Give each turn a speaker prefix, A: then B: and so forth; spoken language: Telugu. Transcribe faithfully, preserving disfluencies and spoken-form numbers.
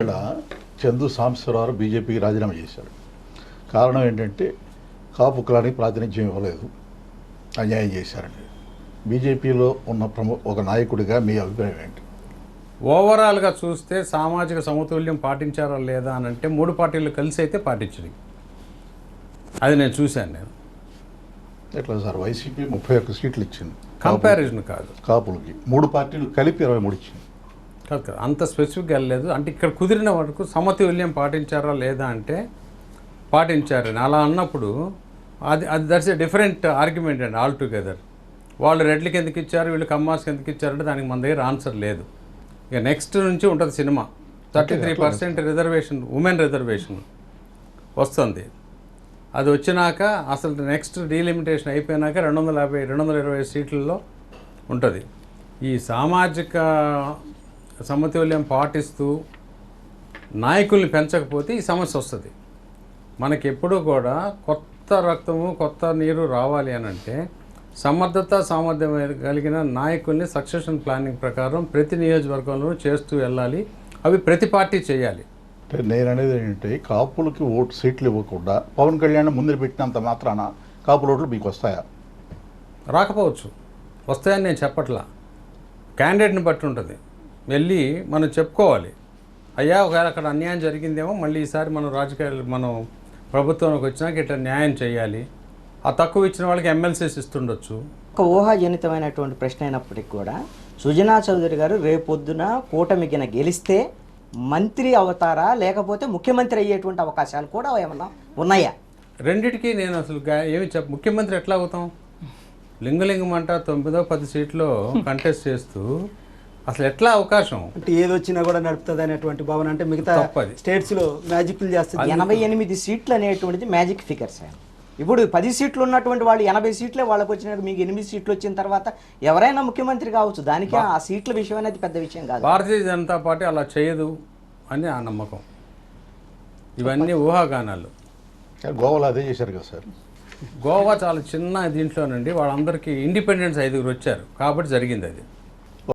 A: ఇక్కడ చందు సాంబశివరావు బీజేపీకి రాజీనామా చేశాడు. కారణం ఏంటంటే కాపు కులానికి ప్రాతినిధ్యం ఇవ్వలేదు, అన్యాయం చేశారండి. బీజేపీలో ఉన్న ప్రముఖ ఒక నాయకుడిగా మీ అభిప్రాయం ఏంటి?
B: ఓవరాల్గా చూస్తే సామాజిక సమతుల్యం పాటించారా లేదా అని అంటే మూడు పార్టీలు కలిసి అయితే పాటించింది. అది నేను చూశాను. నేను
A: ఎట్లా సార్, వైసీపీ ముప్పై ఒక్క సీట్లు ఇచ్చింది,
B: కంపారిజన్ కాదు,
A: కాపులకి మూడు పార్టీలు కలిపి ఇరవై మూడు ఇచ్చింది.
B: కాదు కాదు అంత స్పెసిఫిక్గా వెళ్ళలేదు. అంటే ఇక్కడ కుదిరిన వరకు సమతుల్యం పాటించారా లేదా అంటే పాటించారని అలా అన్నప్పుడు అది అది దట్స్ ఏ డిఫరెంట్ ఆర్గ్యుమెంట్ అండి ఆల్ టుగెదర్. వాళ్ళు రెడ్లకి ఎందుకు ఇచ్చారు, వీళ్ళు కమ్మాస్కి ఎందుకు ఇచ్చారంటే దానికి మన దగ్గర ఆన్సర్ లేదు. ఇక నెక్స్ట్ నుంచి ఉంటుంది సినిమా. Thirty three percent reservation, women reservation వస్తుంది. అది వచ్చినాక అసలు నెక్స్ట్ డీలిమిటేషన్ అయిపోయినాక రెండు వందల యాభై రెండు వందల ఇరవై సీట్లలో ఉంటుంది. ఈ సామాజిక సమతుల్యం పాటిస్తూ నాయకుల్ని పెంచకపోతే ఈ సమస్య వస్తుంది. మనకి ఎప్పుడూ కూడా కొత్త రక్తము కొత్త నీరు రావాలి అని అంటే సమర్థత సామర్థ్యం కలిగిన నాయకుల్ని సక్సెషన్ ప్లానింగ్ ప్రకారం ప్రతి నియోజకవర్గంలో చేస్తూ వెళ్ళాలి. అవి ప్రతి పార్టీ చేయాలి.
A: అంటే నేను అనేది ఏంటంటే కాపులకి ఓటు సీట్లు ఇవ్వకుండా పవన్ కళ్యాణ్ ముందు పెట్టినంత మాత్రాన కాపుల ఓట్లు మీకు వస్తాయా?
B: రాకపోవచ్చు, వస్తాయని నేను చెప్పట్లా. క్యాండిడేట్ని బట్టి ఉంటుంది. వెళ్ళి మనం చెప్పుకోవాలి, అయ్యా ఒకవేళ అక్కడ అన్యాయం జరిగిందేమో మళ్ళీ ఈసారి మనం రాజకీయాలు మనం ప్రభుత్వంలోకి వచ్చినాక ఇట్లా న్యాయం చేయాలి. ఆ తక్కువ ఇచ్చిన వాళ్ళకి ఎమ్మెల్సీస్ ఇస్తుండొచ్చు.
C: ఒక ఊహాజనితమైనటువంటి ప్రశ్న అయినప్పటికీ కూడా సుజనా చౌదరి గారు రేపొద్దున కూటమికిన గెలిస్తే మంత్రి అవుతారా లేకపోతే ముఖ్యమంత్రి అయ్యేటువంటి అవకాశాలు కూడా ఏమన్నా ఉన్నాయా?
B: రెండిటికి నేను అసలు ఏమి చెప్ప ముఖ్యమంత్రి ఎట్లా అవుతాం? లింగలింగం అంట తొమ్మిదో పది సీట్లో కంటెస్ట్ చేస్తూ అసలు ఎట్లా అవకాశం?
D: అంటే ఏది వచ్చినా కూడా నడుపుతుంది అనేటువంటి భావన. అంటే మిగతా స్టేట్స్ లో మ్యాజిక్లు చేస్తుంది.
C: ఎనభై ఎనిమిది సీట్లు అనేటువంటిది మ్యాజిక్ ఫిగర్ సార్. ఇప్పుడు పది సీట్లు ఉన్నటువంటి వాళ్ళు ఎనభై సీట్లే వాళ్ళకి వచ్చినాక మీకు ఎనిమిది సీట్లు వచ్చిన తర్వాత ఎవరైనా ముఖ్యమంత్రి కావచ్చు. దానికి ఆ సీట్ల విషయం అనేది పెద్ద విషయం కాదు.
B: భారతీయ జనతా పార్టీ అలా చేయదు అని ఆ నమ్మకం. ఇవన్నీ ఊహాగానాలు.
A: గోవాలో అదే చేశారు కదా సార్.
B: గోవా చాలా చిన్న దీంట్లోనండి వాళ్ళందరికీ ఇండిపెండెన్స్ ఐదుగురు వచ్చారు కాబట్టి జరిగింది అది.